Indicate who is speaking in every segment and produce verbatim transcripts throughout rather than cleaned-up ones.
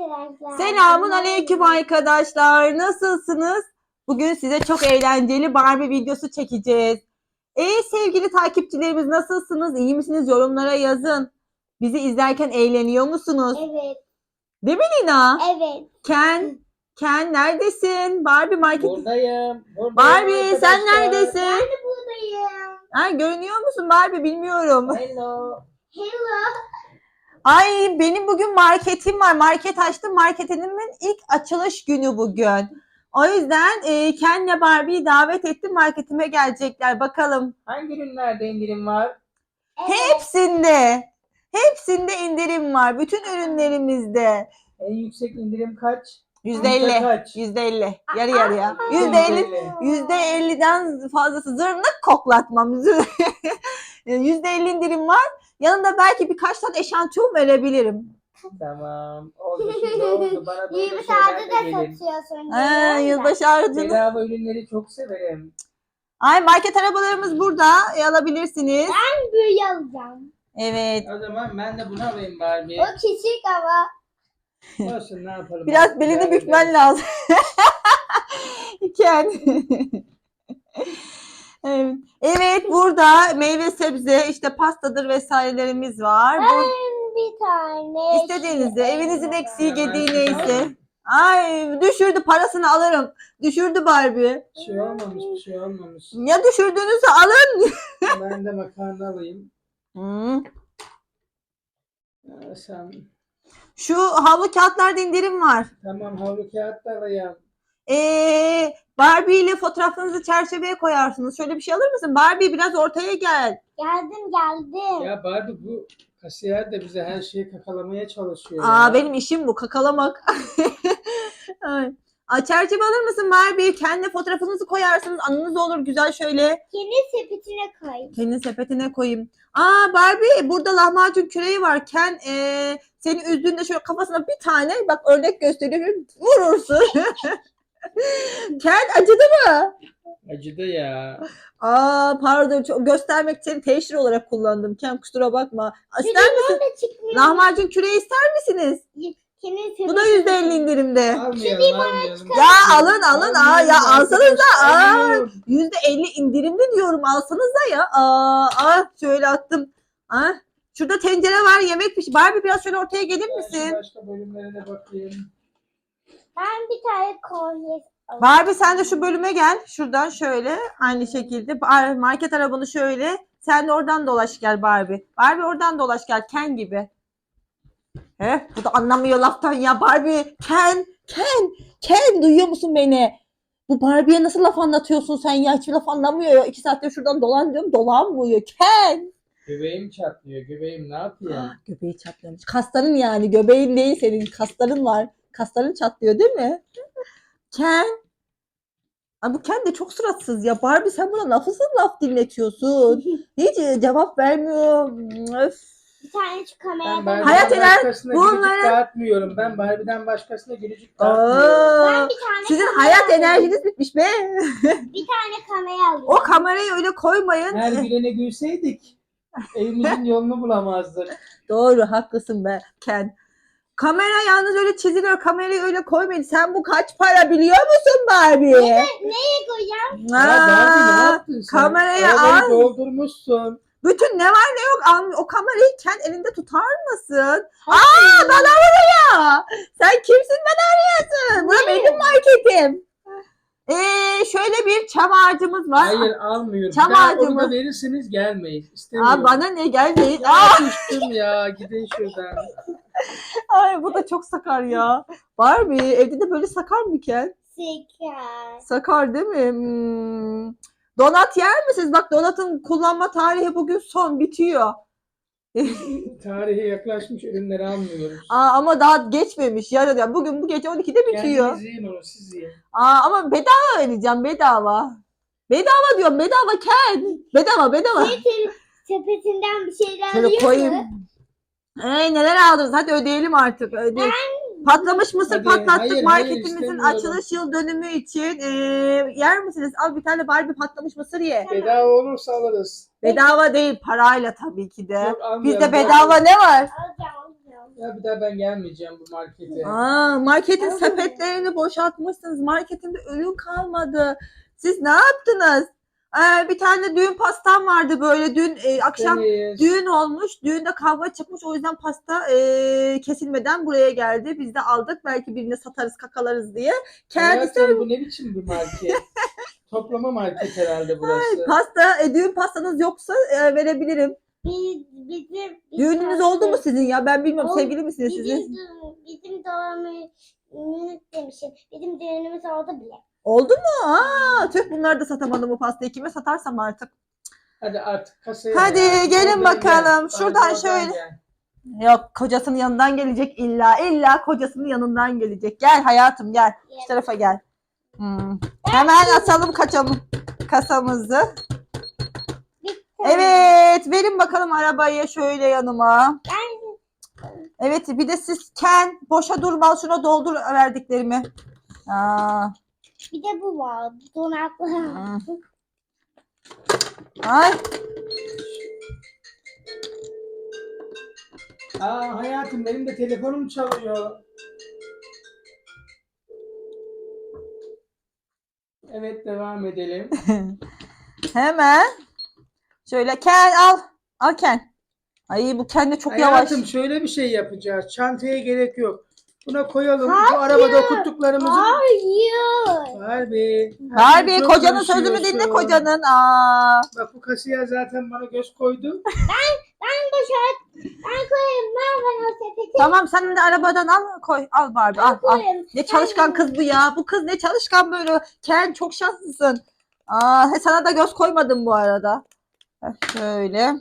Speaker 1: arkadaşlar.
Speaker 2: Selamun aleyküm arkadaşlar. Nasılsınız? Bugün size çok eğlenceli Barbie videosu çekeceğiz. Ey sevgili takipçilerimiz, nasılsınız? İyi misiniz? Yorumlara yazın. Bizi izlerken eğleniyor musunuz?
Speaker 1: Evet.
Speaker 2: Değil mi Lina?
Speaker 1: Evet.
Speaker 2: Ken, Ken neredesin? Barbie market.
Speaker 3: Buradayım. buradayım
Speaker 2: Barbie
Speaker 3: arkadaşlar.
Speaker 2: sen neredesin?
Speaker 1: Ben de buradayım.
Speaker 2: Ha, görünüyor musun Barbie? Bilmiyorum.
Speaker 3: Hello.
Speaker 1: Hello.
Speaker 2: Ay, benim bugün marketim var. Market açtım. Marketimin ilk açılış günü bugün. O yüzden e, Ken'le Barbie'yi davet ettim. Marketime gelecekler. Bakalım.
Speaker 3: Hangi ürünlerde indirim var?
Speaker 1: Evet.
Speaker 2: Hepsinde. Hepsinde indirim var. Bütün ürünlerimizde.
Speaker 3: En yüksek indirim kaç?
Speaker 2: yüzde
Speaker 3: Yüzde
Speaker 2: elli.
Speaker 3: kaç?
Speaker 2: yüzde elli. Yarı yarıya.
Speaker 1: Aa,
Speaker 2: yüzde elli. yüzde elliden fazlası. Zırnık koklatmam. yüzde elli indirim var. Yanında belki birkaç tane eşantiyon verebilirim.
Speaker 3: Tamam. Oldu şimdi oldu. Bana böyle
Speaker 1: Yirmi
Speaker 3: şeyler
Speaker 1: saatte
Speaker 3: de
Speaker 1: de
Speaker 3: gelin.
Speaker 1: satıyorsun.
Speaker 2: Ha, yılbaşı harcını.
Speaker 3: Bedava ürünleri çok severim.
Speaker 2: Ay, market arabalarımız burada. E, alabilirsiniz.
Speaker 1: Ben böyle alacağım.
Speaker 2: Evet.
Speaker 3: O zaman ben de bunu alayım Barbie.
Speaker 1: O küçük ama.
Speaker 3: Olsun, ne yapalım.
Speaker 2: Biraz
Speaker 3: Artık
Speaker 2: belini
Speaker 3: idare
Speaker 2: bükmen
Speaker 3: ederiz.
Speaker 2: lazım. Ken. Evet. Evet, burada meyve sebze, işte pastadır vesairelerimiz var. Bu,
Speaker 1: Ben bir tane.
Speaker 2: istediğinizde, evinizin eksiği
Speaker 3: Hemen
Speaker 2: gediği
Speaker 3: şuradan-
Speaker 2: neyse. Ay, düşürdü, parasını alırım. Düşürdü Barbie.
Speaker 3: Bir şey olmamış, bir şey olmamış.
Speaker 2: Ya düşürdüğünüzü alın.
Speaker 3: Ben de makarna alayım.
Speaker 2: Hmm.
Speaker 3: Aa, sen...
Speaker 2: Şu havlu kağıtlarda indirim var.
Speaker 3: Tamam, havlu kağıt da alayım.
Speaker 2: Ee, Barbie ile fotoğrafınızı çerçeveye koyarsınız. Şöyle bir şey alır mısın? Barbie, biraz ortaya gel.
Speaker 1: Geldim geldim.
Speaker 3: Ya Barbie, bu kasiyer de bize her şeyi kakalamaya çalışıyor
Speaker 2: Aa,
Speaker 3: ya.
Speaker 2: benim işim bu, kakalamak. Ay. Aa, çerçeve alır mısın Barbie? Kendi fotoğrafınızı koyarsınız. Anınız olur güzel şöyle.
Speaker 1: Kendi sepetine koy.
Speaker 2: Kendi sepetine koyayım. Aa Barbie, burada lahmacun küreği var. Ken ee, seni üzdüğünde şöyle kafasına bir tane, bak örnek gösteriyorum, vurursun. Ken, acıdı mı?
Speaker 3: Acıdı ya.
Speaker 2: Aa pardon, çok göstermek için teşhir olarak kullandım. Ken, kusura bakma. İster misin?
Speaker 1: Şurada çıkmıyor.
Speaker 2: Lahmacun küreği ister misiniz?
Speaker 1: Kendi
Speaker 2: Bu da
Speaker 1: sepetine
Speaker 2: yüzde elli indirimde.
Speaker 3: Almayalım, almayalım.
Speaker 2: Ya alın alın, aa ya alsanız da, aa
Speaker 3: Almıyorum.
Speaker 2: yüzde elli indirimli diyorum, alsanız da ya. Aa, aa şöyle attım. Aa, şurada tencere var, yemek piş. Barbie, biraz şöyle ortaya gelir
Speaker 3: Ben şu
Speaker 2: misin?
Speaker 3: başka bölümlere de bakayım.
Speaker 1: Ben bir tane kolye alayım.
Speaker 2: Barbie, sen de şu bölüme gel. Şuradan şöyle aynı şekilde Bar- market arabanı şöyle. Sen de oradan dolaş gel Barbie. Barbie, oradan dolaş gel Ken gibi. He, bu da anlamıyor laftan ya Barbie. Ken, Ken, Ken, duyuyor musun beni? Bu Barbie'ye nasıl laf anlatıyorsun sen ya? Hiçbir laf anlamıyor ya. İki saattir şuradan dolan diyorum, dolanmıyor. Ken.
Speaker 3: Göbeğim çatlıyor. Göbeğim ne yapıyor?
Speaker 2: Ah, göbeği çatlıyormuş. Kasların yani. Göbeğin değil senin. Kasların var. Kasların çatlıyor değil mi? Ken. Ay, bu Ken de çok suratsız ya. Barbie, sen buna nasıl laf dinletiyorsun? Hiç cevap vermiyor. Öf.
Speaker 1: Bir tane şu
Speaker 3: Ben
Speaker 1: kameradan.
Speaker 3: Barbie'den
Speaker 2: Hayat eder,
Speaker 3: başkasına
Speaker 2: bunları-
Speaker 3: gülücük dağıtmıyorum. Ben Barbie'den başkasına gülücük
Speaker 2: Aa,
Speaker 3: dağıtmıyorum.
Speaker 1: Ben bir tane
Speaker 2: sizin
Speaker 1: kamera
Speaker 2: hayat
Speaker 1: alayım.
Speaker 2: enerjiniz bitmiş be.
Speaker 1: Bir tane kamera alayım.
Speaker 2: O kamerayı öyle koymayın.
Speaker 3: Her gülene gülseydik evimizin yolunu bulamazdık.
Speaker 2: Doğru, haklısın be Ken. Kamera yalnız öyle çiziliyor. Kamerayı öyle koymayın. Sen bu kaç para biliyor musun Barbie?
Speaker 1: Nereye koyacağım?
Speaker 3: Ya Barbie, ne
Speaker 2: Aa,
Speaker 3: yaptın sen?
Speaker 2: kamerayı
Speaker 3: Arabayı
Speaker 2: al.
Speaker 3: doldurmuşsun.
Speaker 2: Bütün ne var ne yok al. O kamerayı Ken elinde tutar mısın? Aa, bana vuruyor. Sen kimsin bana arıyorsun? Bura benim marketim. Ee, şöyle bir çam ağacımız var.
Speaker 3: Hayır, almıyorum.
Speaker 2: Çam
Speaker 3: Bir daha
Speaker 2: ağacı
Speaker 3: onu
Speaker 2: mı?
Speaker 3: da verirseniz gelmeyiz. İstemiyorum.
Speaker 2: Aa, bana ne, gelmeyin.
Speaker 3: Ya
Speaker 2: Aa,
Speaker 3: küstüm ya. Gidin şuradan.
Speaker 2: ay, bu da çok sakar ya. Barbie, evde de böyle sakar mı Ken?
Speaker 1: Şeker.
Speaker 2: Sakar değil mi? Hmm. Donat yer misiniz? Bak, donatın kullanma tarihi bugün son, bitiyor.
Speaker 3: Tarihe yaklaşmış ürünleri almıyoruz.
Speaker 2: Aa, ama daha geçmemiş. Yarın, yani bugün bu gece on ikide bitiyor.
Speaker 3: Kendiniz yiyin onu, siz yiyin.
Speaker 2: Aa, ama bedava vereceğim, bedava. Bedava diyorum, bedava Ken. Bedava, bedava.
Speaker 1: Senin sepetinden bir şeyler
Speaker 2: Şöyle
Speaker 1: alıyor
Speaker 2: koyayım.
Speaker 1: mu?
Speaker 2: Ay, neler aldınız? Hadi ödeyelim artık. Öde. Patlamış mısır
Speaker 3: Hadi,
Speaker 2: patlattık
Speaker 3: hayır, hayır,
Speaker 2: marketimizin
Speaker 3: istemiyorum.
Speaker 2: açılış yıl dönümü için. Ee, yer misiniz? Al bir tane Barbie patlamış mısır ye.
Speaker 3: Bedava olursa alırız.
Speaker 2: Bedava değil, parayla tabii ki de.
Speaker 3: Yok, almayalım.
Speaker 2: Bizde bedava ne var?
Speaker 1: Alacağım alacağım.
Speaker 3: Ya bir daha ben gelmeyeceğim bu markete.
Speaker 2: Aa, marketin
Speaker 1: Abi.
Speaker 2: sepetlerini boşaltmışsınız. Marketinde ürün kalmadı. Siz ne yaptınız? Ee, bir tane düğün pastam vardı böyle dün e, akşam
Speaker 3: Deniz.
Speaker 2: düğün olmuş. Düğünde kavga çıkmış. O yüzden pasta e, kesilmeden buraya geldi. Biz de aldık. Belki birine satarız, kakalarız diye. Kendisi
Speaker 3: Hayatım bu ne biçim bir market? Toplama market herhalde burası.
Speaker 2: pasta, e, düğün pastanız yoksa e, verebilirim.
Speaker 1: Biz, bizim, biz
Speaker 2: Düğününüz oldu mu sizin ya? Ben bilmiyorum.
Speaker 1: Oldu.
Speaker 2: Sevgili misiniz
Speaker 1: Bizim,
Speaker 2: sizin?
Speaker 1: düğün- bizim doğumumuz demişim. Bizim düğünümüz oldu bile.
Speaker 2: Oldu mu? Aa, tüh bunları da satamadım bu pastayı. Kime satarsam artık.
Speaker 3: Hadi artık kasaya.
Speaker 2: Hadi
Speaker 3: ya.
Speaker 2: gelin
Speaker 3: Oradan
Speaker 2: bakalım.
Speaker 3: gel.
Speaker 2: Şuradan
Speaker 3: Oradan
Speaker 2: şöyle.
Speaker 3: gel.
Speaker 2: Yok kocasının yanından gelecek illa. İlla kocasının yanından gelecek. Gel hayatım gel. Şu tarafa gel. Hmm. Hemen açalım kaçalım kasamızı. Evet verin bakalım arabayı şöyle yanıma. Evet bir de siz Ken boşa durma şuna doldur verdiklerimi. Aa,
Speaker 1: Bir de bu var. Donaklı.
Speaker 2: hmm. Ay.
Speaker 3: Aa hayatım benim de telefonum çalıyor. Evet devam edelim.
Speaker 2: Hemen. Şöyle Ken al. Al Ken. Ay bu Ken de çok yavaş.
Speaker 3: Hayatım şöyle bir şey yapacağız. Çantaya gerek yok. Buna koyalım. Bu
Speaker 1: Hayır.
Speaker 3: arabada okuttuklarımızı.
Speaker 1: Hayır.
Speaker 3: Harbi.
Speaker 2: Harbi
Speaker 3: Çok
Speaker 2: kocanın sözünü
Speaker 3: konuşuyorsun.
Speaker 2: dinle kocanın. Aa.
Speaker 3: Bak bu kasiyer zaten bana göz koydu.
Speaker 1: Ben boşalt. Ben koyayım. Ben ben o sepeti
Speaker 2: Tamam sen de arabadan al koy. Al Barbie al al.
Speaker 1: koyayım.
Speaker 2: Ne çalışkan kız bu ya. Bu kız ne çalışkan böyle. Ken çok şanslısın. Aa, he, sana da göz koymadım bu arada. Heh, şöyle.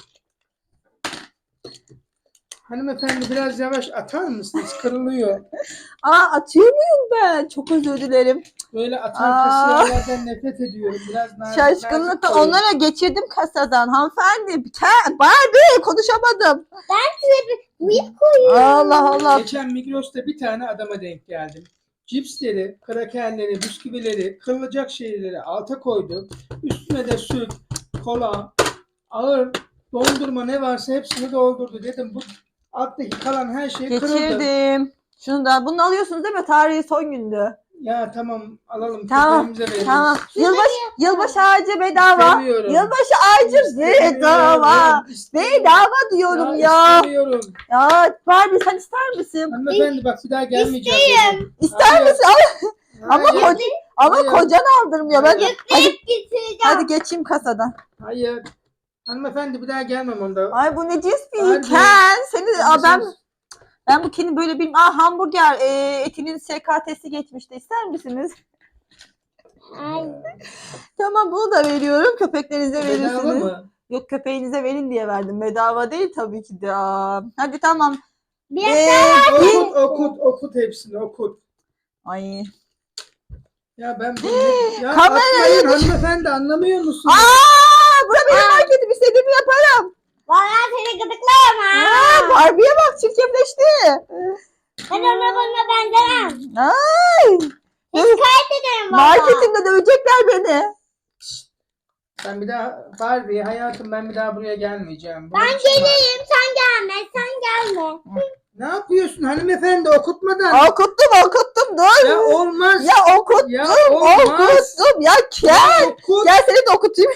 Speaker 3: Hanımefendi biraz yavaş atar mısınız? Kırılıyor.
Speaker 2: Aa atıyor muyum ben? Çok özür dilerim.
Speaker 3: Böyle atan
Speaker 2: Aa.
Speaker 3: kasiyerlerden nefret ediyorum. Biraz nazik,
Speaker 2: Şaşkınlıkla
Speaker 3: nazik koyun.
Speaker 2: onlara geçirdim kasadan. Hanımefendi. Ken, Barbie konuşamadım.
Speaker 1: Büyük koyuyorum.
Speaker 2: Allah Allah.
Speaker 3: Geçen Migros'ta bir tane adama denk geldim. Cipsleri, krakerleri, bisküvileri, kırılacak şeyleri alta koydu. Üstüne de süt, kola, ağır dondurma ne varsa hepsini doldurdu. Dedim bu alttaki kalan her şey kırıldı.
Speaker 2: Geçirdim. Şunu da bunu alıyorsunuz değil mi? Tarihi son gündü.
Speaker 3: Ya tamam alalım.
Speaker 2: Tamam,
Speaker 3: köpeğimize veririz.
Speaker 2: Tamam. Yılbaşı, yılbaşı ağacı bedava.
Speaker 3: İstemiyorum.
Speaker 2: Yılbaşı ağacı bedava.
Speaker 3: İstemiyorum. İstemiyorum.
Speaker 2: Bedava diyorum ya.
Speaker 3: Ya istemiyorum.
Speaker 2: Ya Barbie sen ister misin?
Speaker 3: Hanımefendi bak bir daha gelmeyeceğim. dedim.
Speaker 2: İster
Speaker 3: Hayır.
Speaker 2: misin? Al. Ama
Speaker 3: Hayır.
Speaker 2: koca, ama
Speaker 3: Hayır.
Speaker 2: kocan aldırmıyor. Ben de, hadi,
Speaker 1: Getireceğim.
Speaker 2: hadi geçeyim kasadan.
Speaker 3: Hayır. Hanımefendi bir daha gelmem onda.
Speaker 2: Ay bu ne cins bir
Speaker 3: Harbi.
Speaker 2: Ken. Seni aa, ben
Speaker 3: Siz-
Speaker 2: ben bu Ken'i böyle bilmiyorum. Aa hamburger e, etinin S K T'si geçmişti. İster misiniz?
Speaker 1: Ay.
Speaker 2: Tamam bunu da veriyorum. Köpeklerinize
Speaker 3: Bedava
Speaker 2: verirsiniz.
Speaker 3: mı?
Speaker 2: Yok köpeğinize verin diye verdim. Bedava değil tabii ki de. Aa, hadi tamam.
Speaker 1: Bir
Speaker 2: Ee, bir-
Speaker 3: Okut okut okut hepsini okut.
Speaker 2: Ay.
Speaker 3: Ya ben bunu ya
Speaker 2: Kamerayı
Speaker 3: atmayın hanımefendi anlamıyor musun?
Speaker 2: Aa, bura benim marketim. İstediğimi yaparım.
Speaker 1: Vallahi seni gıdıklarım ha.
Speaker 2: Aa, Barbie'ye bak çirkefleşti.
Speaker 1: Ben ona bana benzemem.
Speaker 2: Ay.
Speaker 1: Şikayet ederim valla.
Speaker 2: Marketimde dövecekler beni.
Speaker 3: Ben bir daha Barbie hayatım ben bir daha buraya gelmeyeceğim. Bu
Speaker 1: Ben
Speaker 3: ne biçim var?
Speaker 1: geleyim sen gelme sen gelme.
Speaker 3: Ne yapıyorsun hanımefendi okutmadan?
Speaker 2: Okuttum okuttum dur.
Speaker 3: Ya olmaz.
Speaker 2: Ya okuttum
Speaker 3: Ya olmaz.
Speaker 2: okuttum. Ya gel.
Speaker 3: Okut.
Speaker 2: Gel seni de okutayım.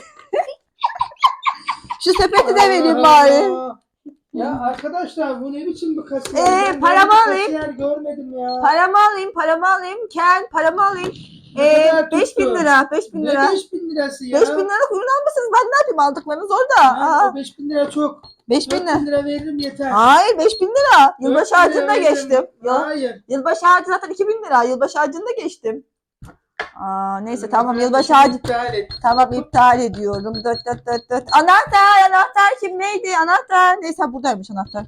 Speaker 2: Şu sepeti de vereyim
Speaker 3: Allah
Speaker 2: bari.
Speaker 3: Allah. Ya arkadaşlar bu ne biçim bir kasiyer?
Speaker 2: Ee,
Speaker 3: Ben
Speaker 2: paramı
Speaker 3: böyle bir
Speaker 2: alayım.
Speaker 3: Kasiyer görmedim ya.
Speaker 2: Paramı alayım paramı alayım. Ken paramı alayım.
Speaker 3: Ne
Speaker 2: Ee,
Speaker 3: kadar
Speaker 2: beş bin
Speaker 3: tuttu?
Speaker 2: lira. Beş bin lira.
Speaker 3: Ne beş bin lirası ya?
Speaker 2: Beş bin lira kuyruğunu almışsınız. Ben ne yapayım aldıklarınız orada.
Speaker 3: Ya,
Speaker 2: Aa,
Speaker 3: o beş bin lira çok.
Speaker 2: beş bin
Speaker 3: dört
Speaker 2: lira.
Speaker 3: bin lira veririm yeter.
Speaker 2: Hayır beş bin lira. Yılbaşı
Speaker 3: dört bin lira
Speaker 2: harcını da
Speaker 3: veririm.
Speaker 2: geçtim. Yıl,
Speaker 3: Hayır.
Speaker 2: yılbaşı harcı zaten iki bin lira. Yılbaşı harcını da geçtim. Aa, neyse tamam
Speaker 3: Ben
Speaker 2: yılbaşı
Speaker 3: işimi
Speaker 2: harcı.
Speaker 3: iptal et.
Speaker 2: Tamam iptal ediyorum. Dört dört dört dört. Anahtar anahtar kim neydi anahtar. Neyse buradaymış anahtar.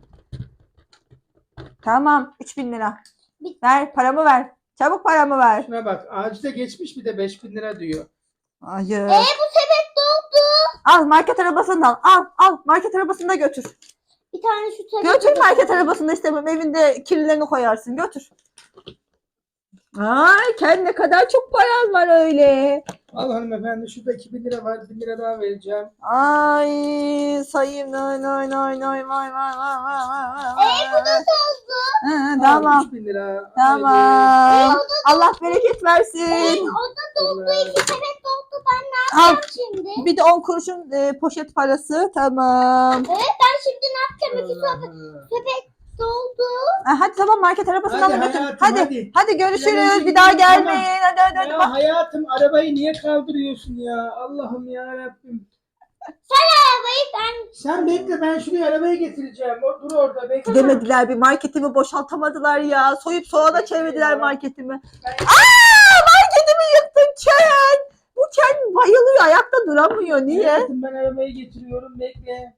Speaker 2: Tamam üç bin lira. Ver paramı ver. Çabuk paramı ver.
Speaker 3: Şuna bak ağacı da geçmiş bir de beş bin lira diyor.
Speaker 2: Hayır.
Speaker 1: E bu sepet doldu.
Speaker 2: Al market arabasından al al market arabasında götür.
Speaker 1: Bir tane şu sepet.
Speaker 2: Götür market arabasında istemem evinde kirlilerini koyarsın götür. Ay Ken ne kadar çok paran var öyle.
Speaker 3: Al hanımefendi, şurada iki bin lira var. bin lira daha vereceğim.
Speaker 2: Ay sayayım. Nay nay nay nay vay vay vay vay vay vay.
Speaker 1: Ee, bu da oldu.
Speaker 2: Hı,
Speaker 3: Al,
Speaker 2: tamam.
Speaker 3: üç bin lira.
Speaker 2: Tamam. Allah bereket versin.
Speaker 1: O da doldu. İki sepet doldu. Ben ne
Speaker 2: Al.
Speaker 1: yapacağım şimdi?
Speaker 2: Bir de on kuruşun e, poşet parası. Tamam.
Speaker 1: Evet, ben şimdi ne yapacağım? İki sepet, sepet doldu.
Speaker 2: Ha, hadi tamam market arabasını
Speaker 3: Hadi
Speaker 2: alın götür.
Speaker 3: hayatım,
Speaker 2: Hadi.
Speaker 3: hadi.
Speaker 2: Hadi görüşürüz.
Speaker 3: Yarın
Speaker 2: Bir daha
Speaker 3: gidelim,
Speaker 2: gelmeyin. Hadi hadi hadi.
Speaker 3: Ya hayatım, arabayı niye kaldırıyorsun ya? Allah'ım ya Rabbim.
Speaker 1: Arabayı ben
Speaker 3: Sen bekle, ben şuraya arabayı getireceğim. O, dur orada bekle.
Speaker 2: Gidemediler, bir marketimi boşaltamadılar ya. Soyup soğana çevirdiler
Speaker 3: Ya.
Speaker 2: marketimi.
Speaker 3: Ben-
Speaker 2: Aa, marketimi yıktın Ken. Bu Ken bayılıyor, ayakta duramıyor. Niye?
Speaker 3: Hayatım, ben arabayı getiriyorum, bekle.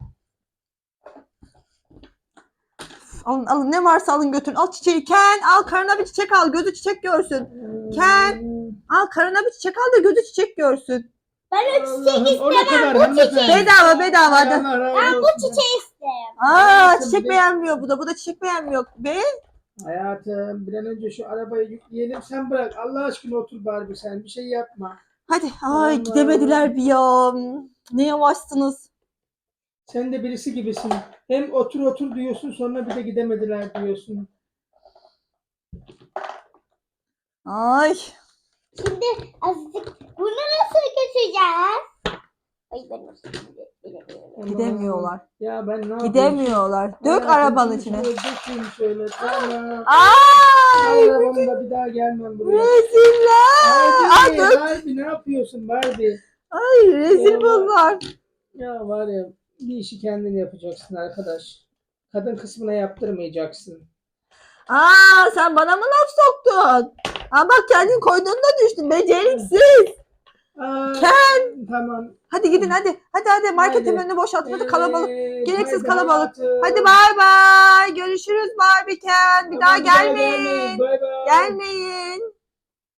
Speaker 2: Alın alın, ne varsa alın götürün. Al çiçeği Ken, al karına bir çiçek al, gözü çiçek görsün. Ken. Al karına bir çiçek al da gözü çiçek görsün.
Speaker 1: ben o çiçeği
Speaker 3: Allah'ım, o ne
Speaker 1: istemem.
Speaker 3: kadar
Speaker 1: Bu
Speaker 3: hanımefendi?
Speaker 1: çiçeği.
Speaker 2: Bedava bedava hadi.
Speaker 3: Allah razı
Speaker 1: Ben bu
Speaker 3: olsun.
Speaker 1: çiçeği isterim.
Speaker 2: Aa,
Speaker 3: Hayatım,
Speaker 2: çiçek
Speaker 3: bir-
Speaker 2: beğenmiyor bu da, bu da çiçek beğenmiyor. Be.
Speaker 3: Hayatım, bir an önce şu arabayı yükleyelim, sen bırak. Allah aşkına otur Barbie, sen bir şey yapma.
Speaker 2: Hadi. Ay
Speaker 3: Allah.
Speaker 2: gidemediler bir ya. Ne yavaşsınız.
Speaker 3: Sen de birisi gibisin. Hem otur otur diyorsun, sonra bir de gidemediler diyorsun.
Speaker 2: Ay.
Speaker 1: Şimdi azıcık bunu nasıl götüreceğiz? Ay ben nasıl bilemiyorum.
Speaker 3: Aman.
Speaker 2: Gidemiyorlar.
Speaker 3: Ya ben ne yapayım?
Speaker 2: Gidemiyorlar. Dök
Speaker 3: Hayatım,
Speaker 2: arabanın
Speaker 3: şunu
Speaker 2: içine.
Speaker 3: şöyle dökeyim şöyle. Tamam.
Speaker 2: Ay.
Speaker 3: Arabamda bir daha gelmem buraya.
Speaker 2: Reziller. Ay
Speaker 3: Barbie,
Speaker 2: dök.
Speaker 3: Barbie, ne yapıyorsun Barbie?
Speaker 2: Ay rezil
Speaker 3: Ya.
Speaker 2: bunlar.
Speaker 3: Ya var ya, bir işi kendin yapacaksın arkadaş. Kadın kısmına yaptırmayacaksın.
Speaker 2: Aa sen bana mı laf soktun? Aa bak kendin koyduğunda düştün. Beceriksiz.
Speaker 3: Aa,
Speaker 2: Ken.
Speaker 3: Tamam.
Speaker 2: Hadi gidin hadi. Hadi hadi marketin
Speaker 3: Hadi.
Speaker 2: önünü boşaltın. Hadi kalabalık.
Speaker 3: Evet,
Speaker 2: Gereksiz
Speaker 3: hadi
Speaker 2: kalabalık.
Speaker 3: hayatım.
Speaker 2: Hadi bay bay. Görüşürüz Barbie Ken. Bir
Speaker 3: Tamam,
Speaker 2: daha
Speaker 3: bir daha
Speaker 2: gelmeyin.
Speaker 3: gelmeyin. Bay bay.
Speaker 2: Gelmeyin.